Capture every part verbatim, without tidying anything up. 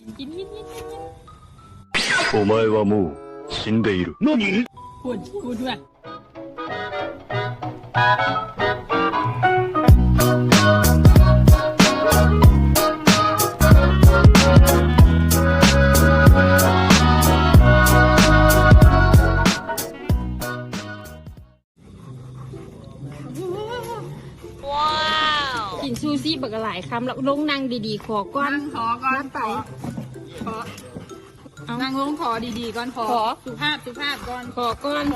กินกินกินกินกินお前はもう死んでいる。何？ พูดพูดด้วยกินซูซี่บักหลายคำแล้วลงนั่งดีๆขอก้อนขอก้อนไปขอนั่งลงขอดีๆก่อนขอสุภาพสุภาพก่อนขอก้อน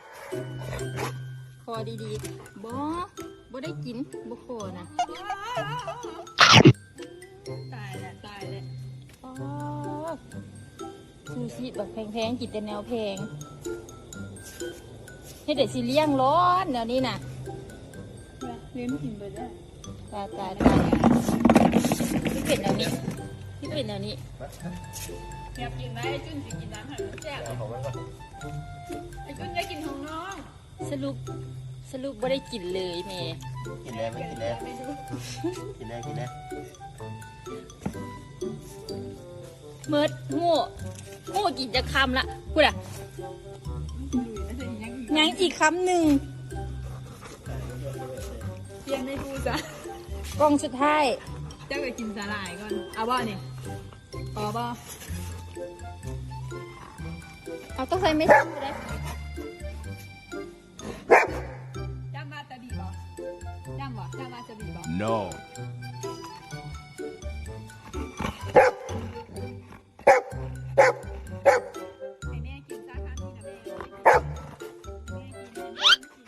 ขอดีๆบ่บ่ได้กินบ่ขอนะตายแล้วตายแล้วซูซี่แบบแพงๆกินแต่แนวแพงให้เด็กสิเลี้ยงร้อนแนวนี้น่ะเลี้ยงกินไปได้ตายตายตายที่เป็นแนวนี้ที่เป็นแนวนี้อยากกินไหมไอ้จุนจะกินน้ำหันแซ่บไอ้จุนจะกินของน้องสรุปสรุปไม่ได้กินเลยแม่กินแล้วไม่กินแล้วกินแล้วกินแล้วเมิดโง่โง่กินจะคำละพูดอ่ะยังอีกคำหนึ่งเตรียมให้ดูจ้ะกล้องสุดท้ายเจ้าไปกินสาหร่ายก่อนเอาบ่เนี่ยพอบ่เอาต้องใส่ไม่ใช่เลยจำมาจะบีบ่จำบ่จำมาจะบีบ่ no ให้แม่กินซะค่ะที่นะแม่แม่กิน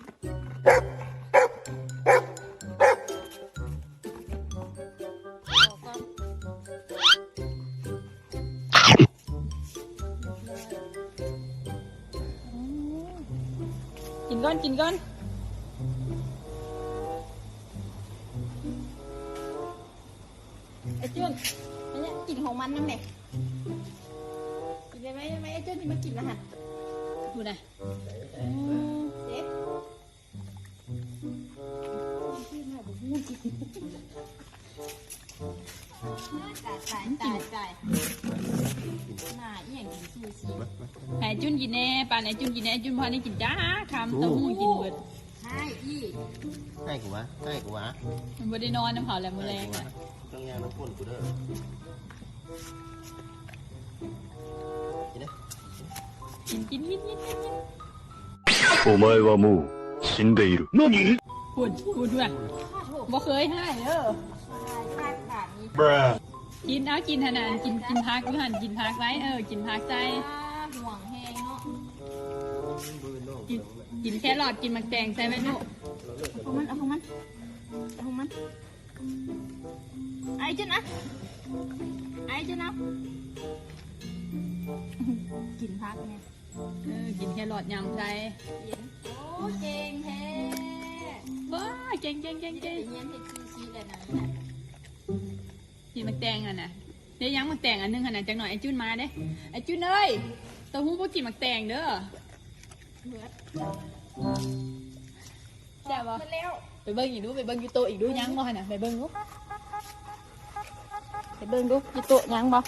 กินก่อนกินก่อนไอ้จุนไอ้เนี่ยกินของมันนั่นแหละกินได้ไหมได้ไหมไอ้จุนนี่มากินละหัดดูนะเด็กตายตายตายตายหน้าเอี่ยงกินซูชิไอ้จุนกินแน่ป่านไอ้จุนกินแน่จุนพอนี่กินจ้าคำเต้าหู้กินเบิดใช่อีให้กูวะให้กูวะมันไม่ได้นอนน้ำเผาแหลมมือแรงอ่ะต้องยาน้ำพ่นกูเด้อกินกินกินกินกินお前はもう死んでいる。何？ พูดพูดด้วยบ่เคยให้เออกินเอากินขนาดกินกินพักด้วยหันกินพักไว้เออกินพักใจห่วงแห้งเนาะกินกินแค่หลอดกินมักแตงใส่ไหมลูกเอาของมันเอาของมันเอาของมันไอ้จุนนะไอ้จุนนะกินพักไงเออกินแค่หลอดยำใจโอ้เก่งแท้ว้าเก่งเก่งเก่งเก่งเงี้ยเห็ดซูชิเลยนะกินมักแตงอ่ะนะเดี๋ยวยังมักแตงอันนึงขนาดจังหน่อยไอ้จุนมาเด้ไอ้จุนเอ้ยเต้าหู้พวกกินมักแตงเด้อแซ่บปะไปเบิ้งอีกดูไปเบิ้งยูโตอีกดูยังบ่ขนาดไปเบิ้งดูไปเบิ้งดูยูโตยังบ่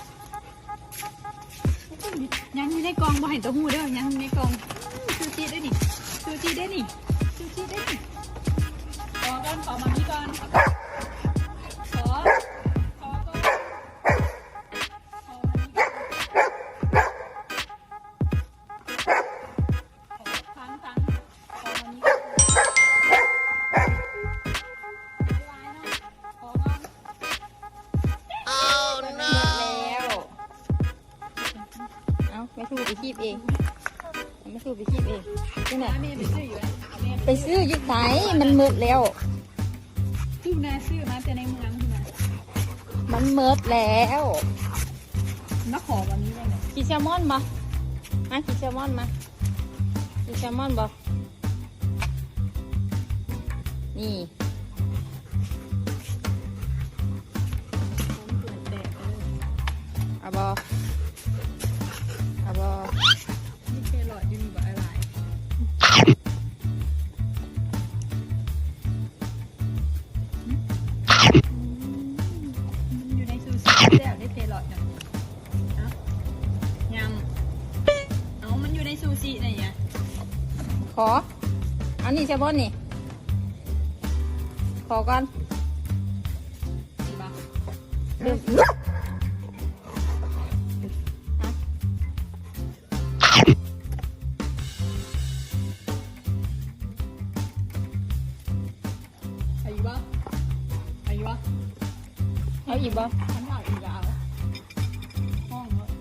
ยังอยู่ในกองบ่เห็นเต้าหู้เด้อยังอยู่ในกองซูชิได้ดิซูชิได้ดิซูชิได้ดิขอก่อนขอมามีก่อนขอขอก่อนขอมามีก่อนฟังฟังขอมามีก่อนขอก่อนเอาแล้วเอาไม่ถูกไปคีบเองไม่ถูกไปคีบเองที่ไหนไปซื้ออยู่ไหนมันมืดแล้วซื้อนาซื้อมาแต่ในเมืองที่ไหนมันมืดแล้วนักขอวันนี้ได้ไหมกินแซลมอนมามากินแซลมอนมากินแซลมอนบ่นี่เอาบ่เอาบ่นี่แค่หลอดอยู่นี่บ่อะไรอยู่ในซูชิแล้วได้เทหลอดนะชิอะไรเงี้ยขอเอานี่ใช่บนนี่ขอก่อนดีปะเดี๋ยวอายุปะอายุปะเอาอีกบ่ฉันถามอีกแล้วห้องเนอะ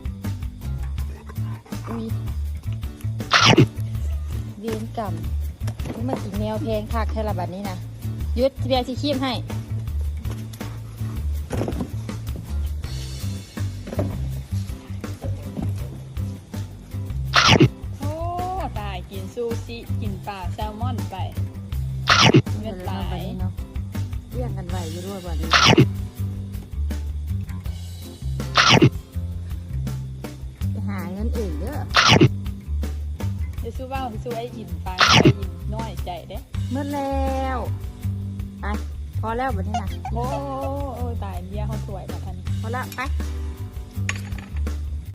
อุ้ยเวียนกรรมนี่มันกินแมวเพลงคักแค่ละบัดนี้นะยุดเบียร์ที่คีบให้โอ้ตายกินซูชิกินปลาแซลมอนไปเงินตายเนาะเรียงกันไหวอยู่ด้วยบัดนี้ไปหาเงินอื่นเด้อเดี๋ยวสู้ว่าสู้ไอ้ยินฟังไอ้ยินน้อยใจเด้เมื่อแล้วไปพอแล้วบัดนี้นะโอ้โอ้ตายเบี้ยเขาสวยแบบทันพอละไป